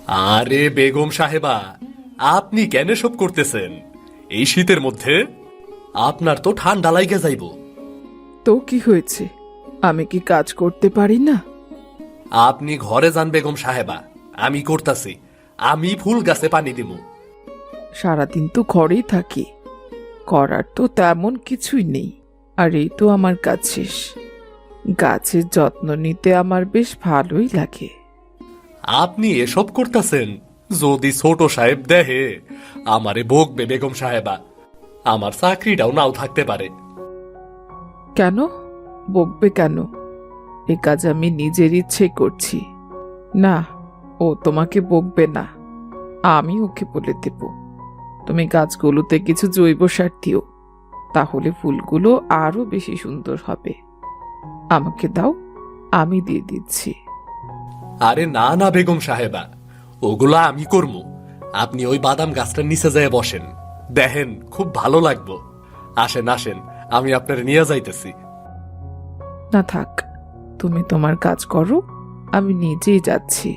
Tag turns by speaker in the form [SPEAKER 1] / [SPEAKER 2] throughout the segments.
[SPEAKER 1] আরে বেগম সাহেবা, আপনি কেন সব করতেছেন এই শীতের মধ্যে? আপনার তো ঠান্ডা লাইগা যাইব।
[SPEAKER 2] তো কি হয়েছে? আমি কি কাজ করতে পারি না?
[SPEAKER 1] আপনি ঘরে যান বেগম সাহেবা, আমি করতাছি। আমি ফুল গাছে পানি দিব।
[SPEAKER 2] সারাদিন তো ঘরেই থাকি, করার তো তেমন কিছুই নেই। আর এই তো আমার কাজ শেষ। গাছের যত্ন নিতে আমার বেশ ভালোই লাগে।
[SPEAKER 1] আপনি এসব করতেছেন, যদি ছোট সাহেব দেহে আমারে বকবে বেগম সাহেবা। আমার চাকরিটাও নাও থাকতে পারে।
[SPEAKER 2] কেন বকবে কেন? এ কাজ আমি নিজের ইচ্ছে করছি। না, ও তোমাকে বকবে না, আমি ওকে বলে দেব। তুমি গাছগুলোতে কিছু জৈব সার দিও, তাহলে ফুলগুলো আরো বেশি সুন্দর হবে। আমাকে দাও, আমি দিয়ে দিচ্ছি।
[SPEAKER 1] আরে না না বেগম সাহেবা, ওগুলা আমি করবো। আপনি ওই বাদাম গাছটার নিচে যেয়ে বসেন, দেখেন খুব ভালো লাগবো। আসেন আসেন, আমি আপনার নিয়ে যাইতেছি।
[SPEAKER 2] না থাক, তুমি তোমার কাজ করো, আমি নিজেই যাচ্ছি।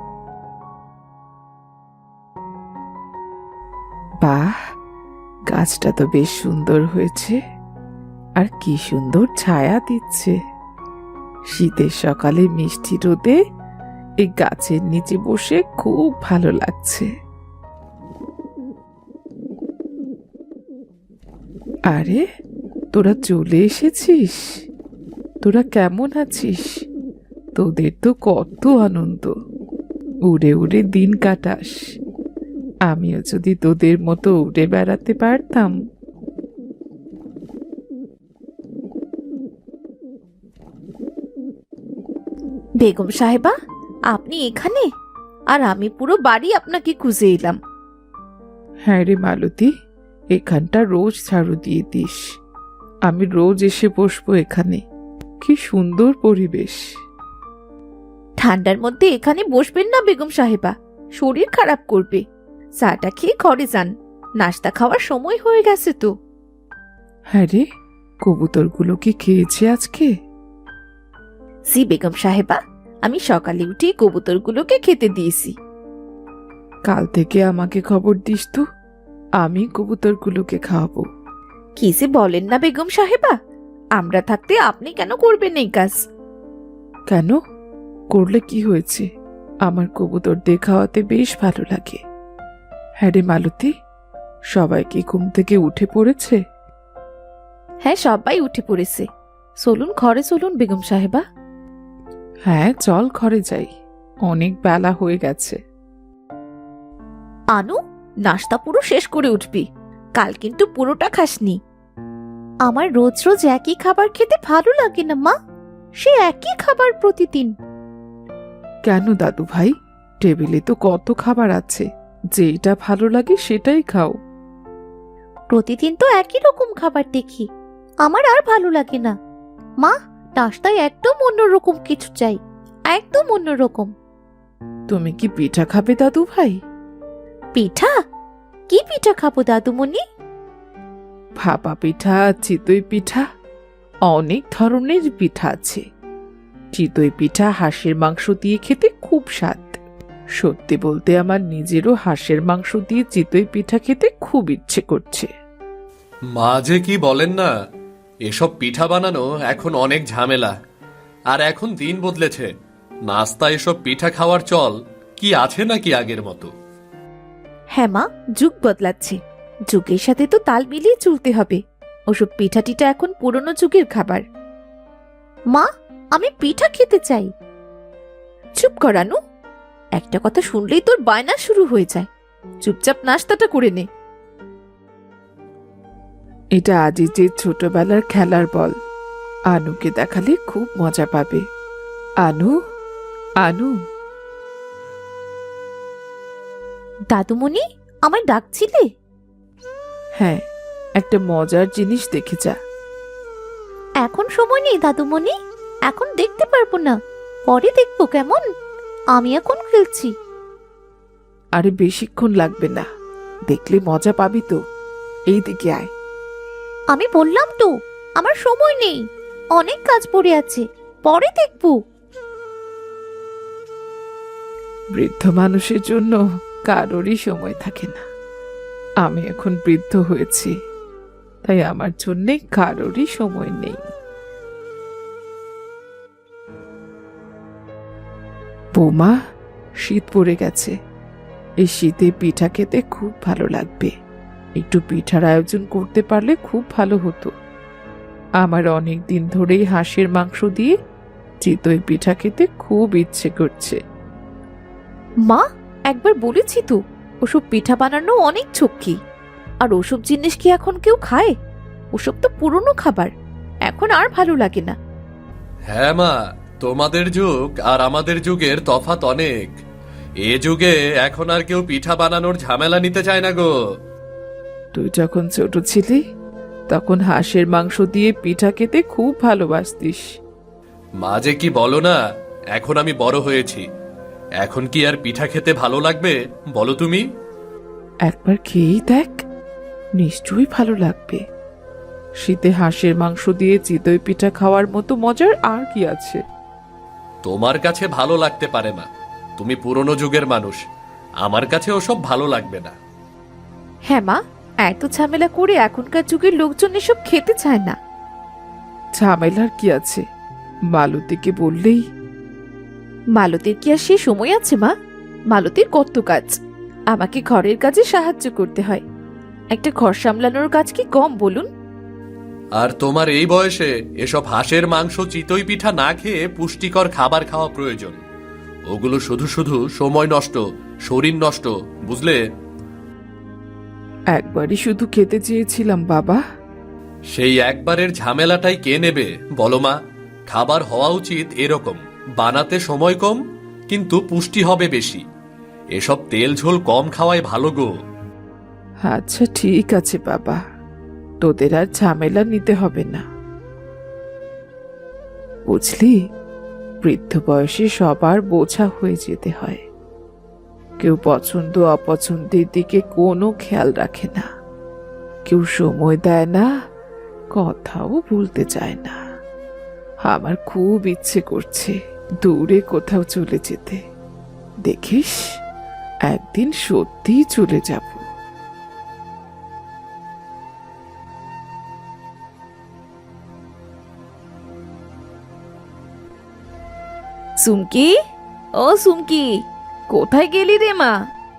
[SPEAKER 2] বাহ, গাছটা তো বেশ সুন্দর হয়েছে, আর কি সুন্দর ছায়া দিচ্ছে। শীতের সকালে মিষ্টি রোদে এই গাছের নিচে বসে খুব ভালো লাগছে। আরে, তোরা চলে এসেছিস? তোরা কেমন আছিস? তোদের তো কত আনন্দ, উড়ে উড়ে দিন কাটাস। আমিও যদি তোদের মতো উড়ে বেড়াতে পারতাম।
[SPEAKER 3] বেগম সাহেবা, আপনি এখানে? আর আমি পুরো বাড়ি আপনাকে খুঁজে এলাম।
[SPEAKER 2] হ্যাঁ রে মালতী, এখানটা রোজ ঝাড়ু দিয়ে দিস। আমি রোজ এসে বসবো এখানে। কি সুন্দর পরিবেশ।
[SPEAKER 3] ঠান্ডার মধ্যে এখানে বসবেন না বেগম সাহেবা, শরীর খারাপ করবে। চাটা খেয়ে ঘরে যান, নাস্তা খাওয়ার সময় হয়ে গেছে তো।
[SPEAKER 2] হ্যাঁ রে, কবুতরগুলো কি খেয়েছে আজকে?
[SPEAKER 3] জি বেগম সাহেবা, আমি সকালে উঠে কবুতরগুলোকে খেতে দিয়েছি।
[SPEAKER 2] কাল থেকে আমাকে খবর দিস তো, আমি কবুতরগুলোকে খাওয়াবো।
[SPEAKER 3] কি যে বলেন না বেগম সাহেবা, আমরা থাকতে আপনি কেন করবেন এই কাজ?
[SPEAKER 2] কেন? করলে কি হয়েছে? আমার কবুতরদের খাওয়াতে বেশ ভালো লাগে। হ্যাঁ রে মালতী, সবাই কি ঘুম থেকে উঠে পড়েছে?
[SPEAKER 3] হ্যাঁ, সবাই উঠে পড়েছে। চলুন ঘরে চলুন বেগম সাহেবা।
[SPEAKER 2] হ্যাঁ চল, ঘরে যাই, অনেক বেলা হয়ে গেছে।
[SPEAKER 3] আনু, নাস্তা পুরো শেষ করে উঠবি, কাল কিন্তু পুরোটা খাসনি। আমার রোজ রোজ একই খাবার খেতে ভালো লাগে না মা, সে একই খাবার প্রতিদিন।
[SPEAKER 2] কেন দাদু ভাই, টেবিলে তো কত খাবার আছে, যেটা ভালো লাগে সেটাই খাও।
[SPEAKER 3] প্রতিদিন তো একই রকম খাবার দেখি, আমার আর ভালো লাগে না। মা, নাস্তায় একদম অন্যরকম কিছু চাই, একদম অন্যরকম।
[SPEAKER 2] তুমি কি পিঠা খাবে দাদু ভাই?
[SPEAKER 3] পিঠা? কি পিঠা খাবো দাদুমণি?
[SPEAKER 2] ভাপা পিঠা, চিতই পিঠা, অনেক ধরনের পিঠা আছে। চিতই পিঠা হাঁসের মাংস দিয়ে খেতে খুব স্বাদ। সত্যি বলতে আমার নিজেরও হাঁসের মাংস দিয়ে চিতই পিঠা খেতে খুব ইচ্ছে করছে।
[SPEAKER 1] মাঝে কি বলেন না, এসব পিঠা বানানো এখন অনেক ঝামেলা। আর এখন দিন বদলেছে, নাস্তা এসব পিঠা খাওয়ার চল কি আছে নাকি আগের মতো?
[SPEAKER 3] হ্যাঁ মা, যুগ বদলাচ্ছে, যুগের সাথে তো তাল মিলিয়ে চলতে হবে। ওসব পিঠা টিঠা এখন পুরনো যুগের খাবার। মা, আমি পিঠা খেতে চাই। চুপ করানু, একটা কথা শুনলেই তোর বায়না শুরু হয়ে যায়। চুপচাপ নাস্তাটা করে নে।
[SPEAKER 2] এটা আজিজের ছোটবেলার খেলার বল। আনুকে দেখালে খুব মজা পাবে। আনু, আনু।
[SPEAKER 3] দাদুমণি, আমায় ডাকছিলে?
[SPEAKER 2] হ্যাঁ, একটা মজার জিনিস দেখে যা।
[SPEAKER 3] এখন সময় নেই দাদুমণি, এখন দেখতে পারবো না, পরে দেখবো কেমন। আমি এখন খেলছি।
[SPEAKER 2] আরে বেশিক্ষণ লাগবে না, দেখলে মজা পাবি তো। এই দিকে আয়।
[SPEAKER 3] আমি বললাম তো, আমার সময় নেই, অনেক কাজ পড়ে আছে, পরে দেখবো।
[SPEAKER 2] বৃদ্ধ মানুষের জন্য কারোরই সময় থাকে না। আমি এখন বৃদ্ধ হয়েছি, তাই আমার জন্যে কারোরই সময় নেই। বৌমা, শীত পড়ে গেছে। এই শীতে পিঠা খেতে খুব ভালো লাগবে। একটু পিঠার আয়োজন করতে পারলে খুব ভালো হতো। আমার অনেক দিন ধরেই হাঁসের মাংস দিয়ে চিতই পিঠা খেতে খুব ইচ্ছে করছে।
[SPEAKER 3] মা, একবার বলেছি তো ওসব পিঠা বানানো অনেক ঝক্কি। আর ওসব জিনিস কি এখন কেউ খায়? ওসব তো পুরনো খাবার, এখন আর ভালো লাগে না।
[SPEAKER 1] হ্যাঁ মা, তোমাদের যুগ আর আমাদের যুগের তফাৎ অনেক। এ যুগে এখন আর কেউ পিঠা বানানোর ঝামেলা নিতে চায় না গো।
[SPEAKER 2] তুই যখন ছোট ছিলি তখন হাঁসের মাংস দিয়ে পিঠা খেতে খুব ভালোবাসতিস।
[SPEAKER 1] মা যে কি বলো না, এখন আমি বড় হয়েছি, এখন কি আর পিঠা খেতে ভালো লাগবে বলো তুমি?
[SPEAKER 2] একবার খেয়েই দেখ, নিশ্চয়ই ভালো লাগবে। শীতে হাঁসের মাংস দিয়ে চিতই পিঠা খাওয়ার মতো মজার আর কি আছে?
[SPEAKER 1] তোমার কাছে ভালো লাগতে পারে মা, তুমি পুরনো যুগের মানুষ, আমার কাছে ওসব ভালো লাগবে না।
[SPEAKER 3] হ্যাঁ মা, এত ঝামেলা করে এখনকার যুগের লোকজন এসব খেতে চায় না।
[SPEAKER 2] ঝামেলার কি আছে? মালতীকে বললেই।
[SPEAKER 3] মালতীর কি আর সে সময় আছে মা? মালতীর কত কাজ, আমাকে ঘরের কাজে সাহায্য করতে হয়। একটা ঘর সামলানোর কাজ কি কম বলুন?
[SPEAKER 1] আর তোমার এই বয়সে এসব হাঁসের মাংস চিতই পিঠা না খেয়ে পুষ্টিকর খাবার খাওয়া প্রয়োজন। ওগুলো শুধু শুধু সময় নষ্ট, শরীর নষ্ট, বুঝলে?
[SPEAKER 2] একবারই শুধু খেতে চেয়েছিলাম বাবা।
[SPEAKER 1] সেই একবারের ঝামেলাটাই কে নেবে বলো মা? খাবার হওয়া উচিত এরকম, বানাতে সময় কম কিন্তু পুষ্টি হবে বেশি। এসব তেল ঝোল কম খাওয়াই ভালো গো।
[SPEAKER 2] আচ্ছা ঠিক আছে বাবা, তোদের আর ঝামেলা নিতে হবে না। বুঝলি, বৃদ্ধ বয়সে সবার বোঝা হয়ে যেতে হয়। কেউ পছন্দ অপছন্দের দিকে কোনো খেয়াল রাখে না, কেউ সময় দেয় না, কথাও বলতে চায় না। আমার খুব ইচ্ছে করছে দূরে কোথাও চলে যেতে। দেখিস, একদিন সত্যিই চলে যাব।
[SPEAKER 3] সুমকি, ও সুমকি, কোথায় গেলি রে মা?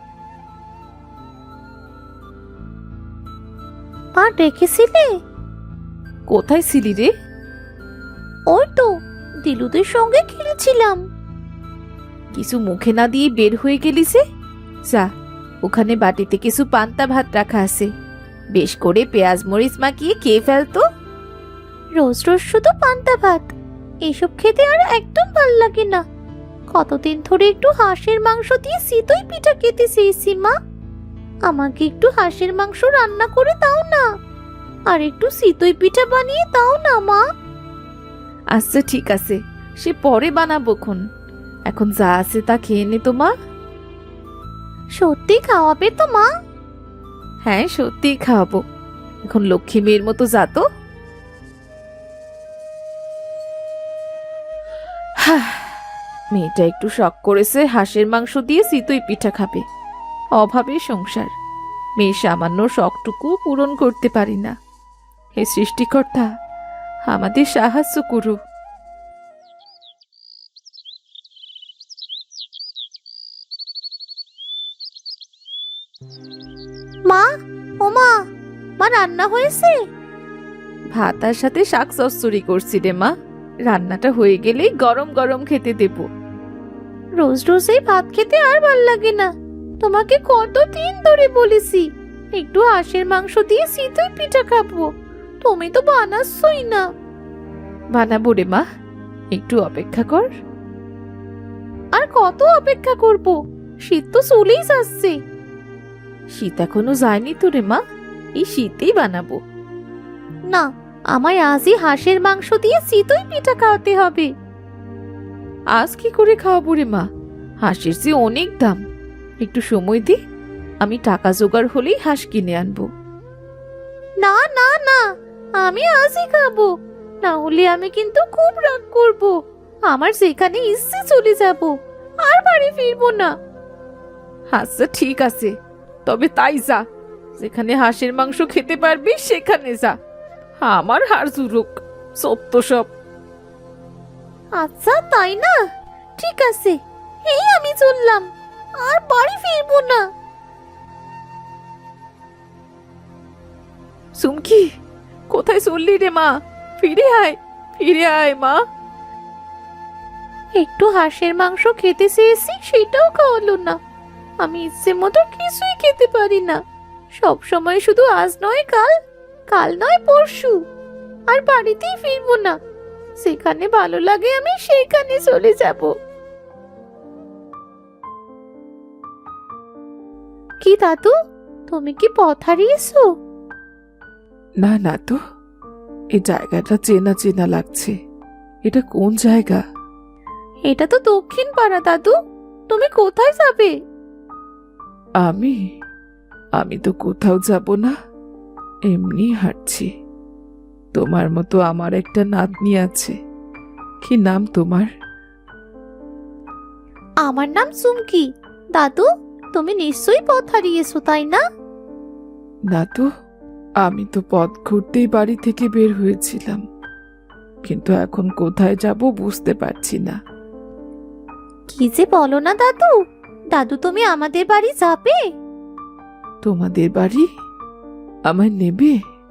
[SPEAKER 3] মা ডেকেছিলে? কোথায় ছিলি রে? ওই তো দিলুদের সঙ্গে খেলেছিলাম। কিছু মুখে না দিয়ে বের হয়ে গেলি যে? যা, ওখানে বাটিতে কিছু পান্তা ভাত রাখা আছে, বেশ করে পেঁয়াজ মরিচ মাখিয়ে খেয়ে ফেলতো। রোজ রোজ শুধু পান্তা ভাত, এসব খেতে আর একদম ভাল লাগে না। কতদিন ধরে একটু হাঁসের মাংস দিয়ে চিতই পিঠা খেতে চেয়েছি মা। আমাকে একটু হাঁসের মাংস রান্না করে দাও না, আর একটু চিতই পিঠা বানিয়ে দাও না মা। আচ্ছা ঠিক আছে, সে পরে বানাবো খন। এখন যা আছে তা খেয়ে নে তো মা। সত্যি খাওয়াবে তো মা? হ্যাঁ সত্যি খাওয়াবো। এখন লক্ষ্মী মেয়ের মতো যা তো। মেয়েটা একটু শখ করেছে হাঁসের মাংস দিয়ে চিতই পিঠা খাবে। অভাবে সংসার, মেয়ে সামান্য শখটুকু পূরণ করতে পারি না। হে সৃষ্টিকর্তা, আমাদের সাহায্য করো। মা, ও মা, মা রান্না হয়েছে? ভাতার সাথে শাক চচ্চড়ি করছি রে মা, রান্নাটা হয়ে গেলেই গরম গরম খেতে দেব। রোজ রোজ এই ভাত খেতে আর ভাল লাগে না। তোমাকে কতদিন ধরে বলেছি একটু হাঁসের মাংস দিয়ে চিতই পিঠা খাবো, তুমি তো বানাচ্ছই না। বানাবো রে মা, একটু অপেক্ষা কর। আর কত অপেক্ষা করব? শীত তো চলেই যাচ্ছে। শীত এখনো যায়নি তো রে মা, এই শীতেই বানাবো। না, আমায় আজই হাঁসের মাংস দিয়ে চিতই পিঠা খাওয়াতে হবে। আজ কি করে খাওয়াবো রে মা? হাঁসের যে অনেক দাম। একটু সময় দি, আমি টাকা জোগাড় হলেই হাঁস কিনে আনবো। না না না, আমি আজই খাবো, না হলে আমি কিন্তু খুব রাগ করব। আমার যেখানে ইচ্ছে চলে যাব, আর বাড়ি ফিরবো না।
[SPEAKER 2] আচ্ছা ঠিক আছে, তবে তাই যা, যেখানে হাঁসের মাংস খেতে পারবি সেখানে যা। আমার হাড় জুরুক, সব তো সব।
[SPEAKER 3] আচ্ছা তাই না, ঠিক আছে, এই আমি চললাম, আর বাড়ি ফিরবো না।
[SPEAKER 2] সুমকি, কোথায় চললি রে মা? ফিরে আয়, ফিরে আয় মা।
[SPEAKER 3] একটু হাঁসের মাংস খেতে চেয়েছি, সেটাও খাওয়ালো না। আমি ইচ্ছে মতো কিছুই খেতে পারি না, সব সময় শুধু আজ নয় কাল, কাল নয় পরশু, আর বাড়িতেই ফিরবো না। সেখানে ভালো লাগে আমি সেইখানে চলে যাব। কি দাদু, তুমি কি পথ হারিয়েছো?
[SPEAKER 2] না না তো, এই জায়গাটা চেনা চেনা লাগছে। এটা কোন জায়গা?
[SPEAKER 3] এটা তো দক্ষিণ পাড়া দাদু, তুমি কোথায় যাবে?
[SPEAKER 2] আমি আমি তো কোথাও যাব না, এমনি হাঁটছি। তোমার মতো আমার একটা নাতনি আছে। কি নাম তোমার?
[SPEAKER 3] আমার নাম চুমকি। দাদু, তুমি নিশ্চয়ই পথ হারিয়েছো, তাই না?
[SPEAKER 2] না তো, আমি তো পথ ঘুরতেই বাড়ি থেকে বের হয়েছিলাম, কিন্তু এখন কোথায় যাব বুঝতে পারছি না।
[SPEAKER 3] কি যে বলো না দাদু, দাদু তুমি আমাদের বাড়ি যাবে?
[SPEAKER 2] তোমাদের বাড়ি? আমায় নেবে?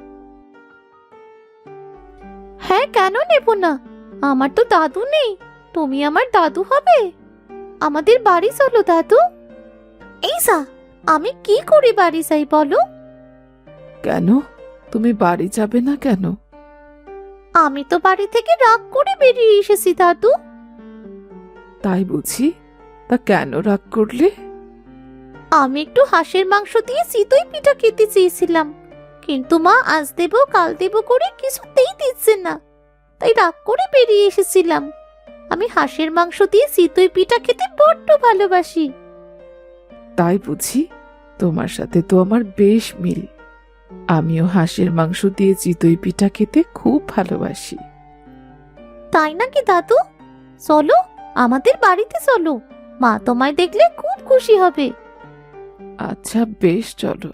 [SPEAKER 3] হ্যাঁ, কেন নেব না? আমার তো দাদু নেই, তুমি আমার দাদু হবে। আমাদের বাড়ি চলো দাদু। এই যা, আমি কি করে বাড়ি যাই বলো?
[SPEAKER 2] কেন, তুমি বাড়ি যাবে না কেন?
[SPEAKER 3] আমি তো বাড়ি থেকে রাগ করে বেরিয়ে এসেছি দাদু।
[SPEAKER 2] তাই বুঝি? তা কেন রাগ করলে?
[SPEAKER 3] আমি একটু হাঁসের মাংস দিয়ে চিতই পিঠা খেতে চেয়েছিলাম, কিন্তু মা আজ দেবো কাল দেবো করে কিছুতেই দিচ্ছে না, তাই রাগ করে বেরিয়ে এসেছিলাম। আমি হাঁসের মাংস দিয়ে চিতই পিঠা খেতে বড্ড ভালোবাসি।
[SPEAKER 2] তাই বুঝি? তোমার সাথে তো আমার বেশ মিল। আমিও হাঁসের মাংস দিয়ে চিতই পিঠা খেতে খুব ভালোবাসি।
[SPEAKER 3] তাই নাকি দাদু? চলো, আমাদের বাড়িতে চলো, মা তোমায় দেখলে খুব খুশি হবে।
[SPEAKER 2] আচ্ছা বেশ, চলো।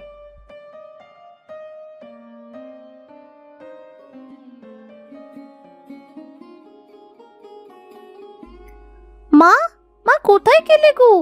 [SPEAKER 3] মা, মা কোথায় গেলে গো?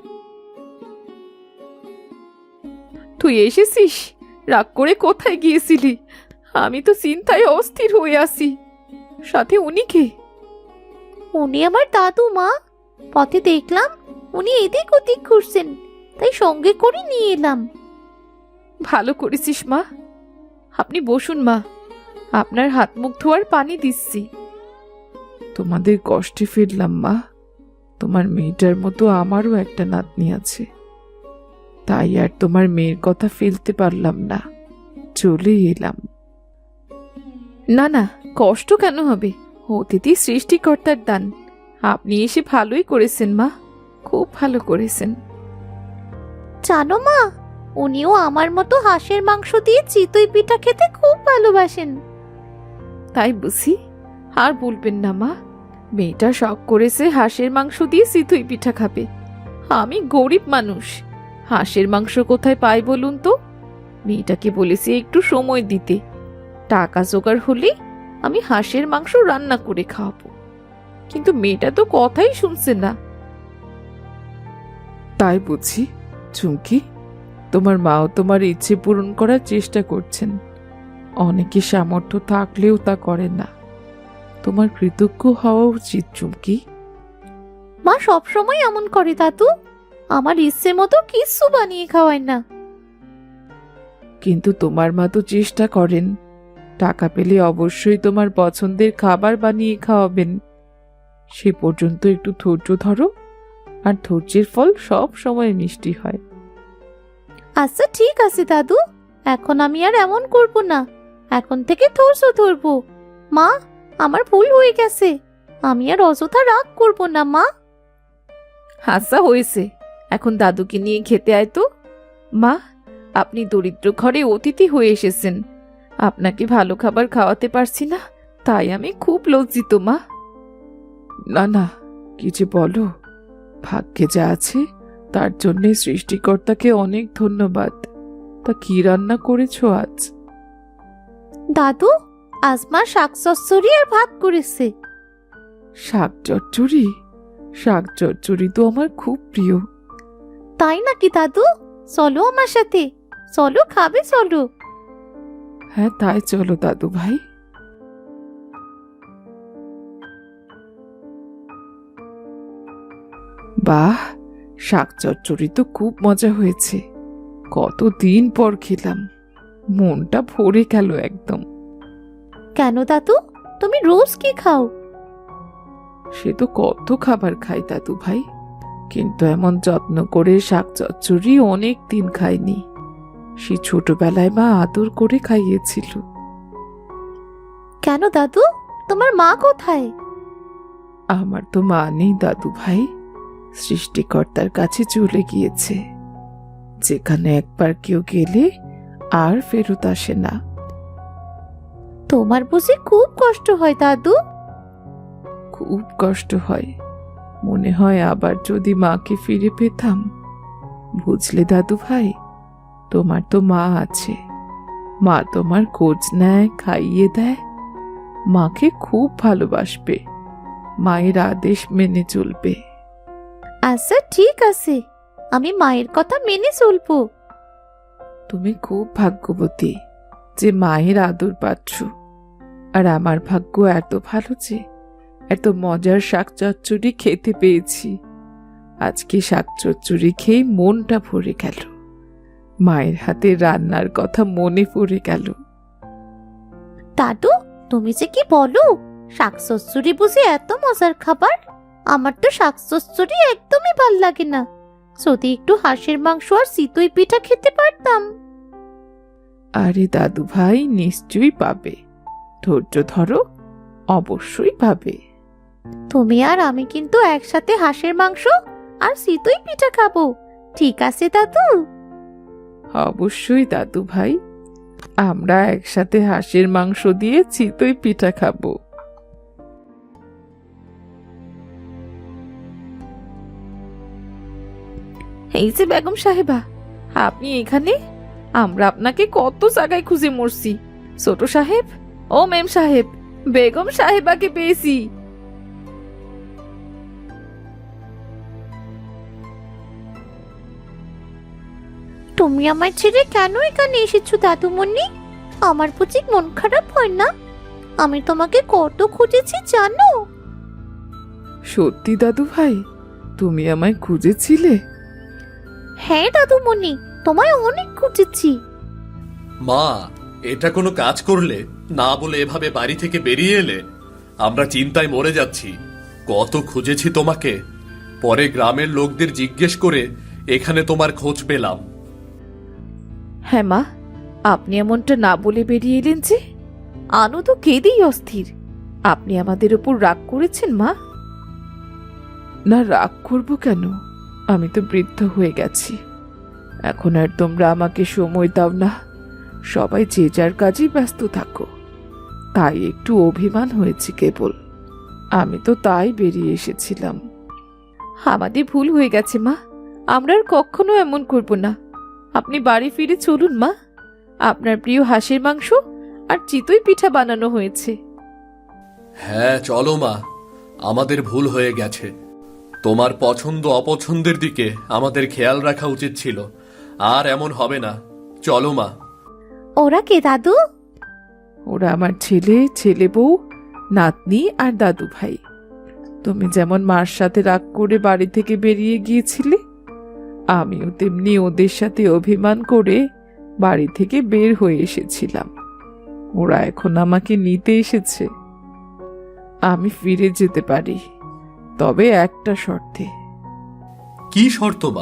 [SPEAKER 2] তুই এসেছিস? রাগ করে কোথায় গিয়েছিলি? আমি তো চিন্তায় অস্থির হয়ে আছি। সাথে উনি কে?
[SPEAKER 3] উনি আমার দাদু মা। পথে দেখলাম উনি এদিক ওদিক ঘুরছেন, তাই সঙ্গে করে নিয়ে এলাম।
[SPEAKER 2] ভালো করেছিস মা। আপনি বসুন মা, আপনার হাত মুখ ধোয়ার পানি দিচ্ছি। তোমাদের কষ্টে ফিরলাম মা। তোমার মেয়েটার মতো আমারও একটা নাতনি আছে, তাই আর তোমার মেয়ের কথা ফেলতে পারলাম না, চলে এলাম। না না, কষ্ট কেন হবে? অতিথি সৃষ্টিকর্তার দান। আপনি এসে ভালোই করেছেন মা, খুব ভালো করেছেন।
[SPEAKER 3] জানো মা, উনিও আমার মতো হাঁসের মাংস দিয়ে চিতই পিঠা খেতে খুব ভালোবাসেন।
[SPEAKER 2] তাই বুঝি? আর বলবেন না মা, মেয়েটা শখ করেছে হাঁসের মাংস দিয়ে চিতই পিঠা খাবে। আমি গরিব মানুষ, হাঁসের মাংস কোথায় পাই বলুন তো? মেয়েটাকে বলেছি একটু সময় দিতে, টাকা জোগাড় হলে আমি হাঁসের মাংস রান্না করে খাওয়াবো, কিন্তু মেয়েটা তো কথাই শুনছে না। তাই বুঝি? চুমকি, তোমার মাও তোমার ইচ্ছে পূরণ করার চেষ্টা করছেন। অনেকে সামর্থ্য থাকলেও তা করে না। তোমার কৃতজ্ঞ হওয়া উচিত চুমকি।
[SPEAKER 3] মা সবসময় এমন করে দাদু, আমার ইচ্ছে মতো কিচ্ছু বানিয়ে খাওয়ায় না।
[SPEAKER 2] কিন্তু তোমার মা তো চেষ্টা করেন। টাকা পেলে অবশ্যই তোমার পছন্দের খাবার বানিয়ে খাওয়াবেন। সে পর্যন্ত একটু ধৈর্য ধরো, আর ধৈর্যের ফল সব সময় মিষ্টি হয়।
[SPEAKER 3] আচ্ছা ঠিক আছে দাদু, এখন আমি আর এমন করব না, এখন থেকে ধৈর্য ধরবো। মা, আমার ভুল হয়ে গেছে, আমি আর অযথা রাগ করব না মা।
[SPEAKER 2] আচ্ছা হয়েছে, এখন দাদুকে নিয়ে খেতে আয় তো। মা, আপনি দরিদ্র ঘরে অতিথি হয়ে এসেছেন, আপনাকে ভালো খাবার খাওয়াতে পারছি না, তাই আমি খুব লজ্জিত মা। না না, কি যে বলো, ভাগ্যে যা আছে তার জন্যে সৃষ্টিকর্তাকে অনেক ধন্যবাদ। তা কি রান্না করেছো আজ?
[SPEAKER 3] দাদু, আজ মা শাক চচ্চড়ি আর ভাত করেছে।
[SPEAKER 2] শাক চচ্চড়ি? শাক চচ্চড়ি তো আমার খুব প্রিয়।
[SPEAKER 3] তাই নাকি দাদু? চলো আমার সাথে, চলো খাবে চলো।
[SPEAKER 2] হ্যাঁ, তাই চলো দাদু ভাই। বাহ, শাক চচ্চড়ি তো খুব মজা হয়েছে। কতদিন পর খেলাম, মনটা ভরে গেল একদম।
[SPEAKER 3] কেন দাদু, তুমি রোজ কি খাও?
[SPEAKER 2] সে তো কত খাবার খাই দাদু ভাই, কিন্তু এমন যত্ন করে শাক চচ্চড়ি অনেক দিন খাইনি। সে ছোটবেলায় মা আদর করে খাইয়েছিল।
[SPEAKER 3] কেন দাদু, তোমার মা কোথায়?
[SPEAKER 2] আমার তো মা নেই দাদু ভাই, সৃষ্টিকর্তার কাছে চলে গিয়েছে, যেখানে একবার কেউ গেলে আর ফেরত আসে না।
[SPEAKER 3] তোমার বুঝি খুব কষ্ট হয় দাদু?
[SPEAKER 2] খুব কষ্ট হয়, মনে হয় আবার যদি মাকে ফিরে পেতাম। বুঝলে দাদু ভাই, তোমার তো মা আছে, মা তোমার খোঁজ নেয়, খাইয়ে দেয়, মাকে খুব ভালোবাসবে, মায়ের আদেশ মেনে চলবে।
[SPEAKER 3] আচ্ছা ঠিক আছে, আমি মায়ের কথা মেনে চলবো।
[SPEAKER 2] তুমি খুব ভাগ্যবতী যে মায়ের আদর পাচ্ছ, আর আমার ভাগ্য এত ভালো যে এত মজার শাক চচ্চড়ি খেতে পেয়েছি। আজকে শাক চচ্চড়ি খেয়ে মনটা ভরে গেল, মায়ের হাতে রান্নার কথা মনে পড়ে গেল।
[SPEAKER 3] দাদু, তুমি যে কি বলো, শাক চচ্চড়ি বুঝি এত মজার খাবার? আমার তো শাক চচ্চড়ি একদমই ভাল লাগে না। যদি একটু হাঁসের মাংস আর চিতই পিঠা খেতে পারতাম।
[SPEAKER 2] আরে দাদু ভাই, নিশ্চয়ই পাবে, ধৈর্য ধরো, অবশ্যই পাবে।
[SPEAKER 3] তুমি আর আমি কিন্তু একসাথে হাঁসের মাংস আর চিতই পিঠা খাবো, ঠিক আছে দাদু?
[SPEAKER 2] অবশ্যই দাদু ভাই, আমরা একসাথে হাঁসের মাংস দিয়ে চিতই পিঠা খাবো। এই যে বেগম সাহেবা, আপনি এখানে? আমরা আপনাকে কত জায়গায় খুঁজে মরছি। ছোট সাহেব, ও মেম সাহেব, বেগম সাহেবাকে পেয়েছি।
[SPEAKER 3] তুমি আমার ছেড়ে কেন এখানে এসেছো দাদুমণি? আমার বুঝি মন খারাপ হয় না? আমি তোমাকে কত খুঁজেছি জানো?
[SPEAKER 2] সত্যি দাদু ভাই, তুমি আমায় খুঁজেছিলে?
[SPEAKER 3] হ্যাঁ দাদুমণি, তোমায় অনেক খুঁজেছি।
[SPEAKER 1] মা, এটা কোনো কাজ করলে? না বলে এভাবে বাড়ি থেকে বেরিয়ে এলে? আমরা চিন্তায় মরে যাচ্ছি। কত খুঁজেছি তোমাকে, পরে গ্রামের লোকদের জিজ্ঞেস করে এখানে তোমার খোঁজ পেলাম।
[SPEAKER 2] হ্যাঁ মা, আপনি এমনটা না বলে বেরিয়ে এলেন যে? আনু তো কেঁদেই অস্থির। আপনি আমাদের উপর রাগ করেছেন মা? না, রাগ করব কেন? আমি তো বৃদ্ধ হয়ে গেছি, এখন আর তোমরা আমাকে সময় দাও না। সবাই যে যার কাজেই ব্যস্ত থাকো, তাই একটু অভিমান হয়েছে কেবল। আমি তো তাই বেরিয়ে এসেছিলাম। আমাদের ভুল হয়ে গেছে মা, আমরা আর কখনো এমন করব না। আপনি বাড়ি ফিরে চলুন মা, আপনার প্রিয় হাঁসের মাংস আর চিতই পিঠা বানানো হয়েছে।
[SPEAKER 1] হ্যাঁ চলো মা, আমাদের ভুল হয়ে গেছে। তোমার পছন্দ অপছন্দের দিকে আমাদের খেয়াল রাখা উচিত ছিল। আর এমন হবে না, চলো মা।
[SPEAKER 3] ওরা কে দাদু?
[SPEAKER 2] ওরা আমার ছেলে, ছেলে বউ, নাতনি আর দাদু ভাই। তুমি যেমন মার সাথে রাগ করে বাড়ি থেকে বেরিয়ে গিয়েছিলে, আমিও তেমনি ওদের সাথে অভিমান করে বাড়ি থেকে বের হয়ে এসেছিলাম। ওরা এখন আমাকে নিতে এসেছে। আমি ফিরে যেতে পারি, তবে একটা শর্তে।
[SPEAKER 1] কি শর্ত মা?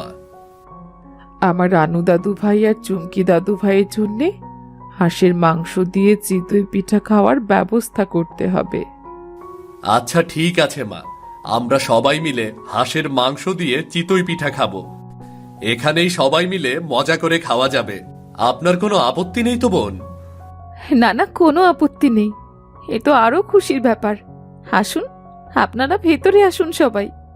[SPEAKER 2] আমার রানু দাদু ভাই আর চুমকি দাদু ভাইয়ের জন্যে হাঁসের মাংস দিয়ে চিতই পিঠা খাওয়ার ব্যবস্থা করতে হবে।
[SPEAKER 1] আচ্ছা ঠিক আছে মা, আমরা সবাই মিলে হাঁসের মাংস দিয়ে চিতই পিঠা খাবো। এখানেই সবাই মিলে মজা করে খাওয়া যাবে। আপনার কোনো আপত্তি নেই তো বোন?
[SPEAKER 2] না না, কোনো আপত্তি নেই। এ তো আরো খুশির ব্যাপার। আসুন, আপনারা ভেতরে আসুন সবাই।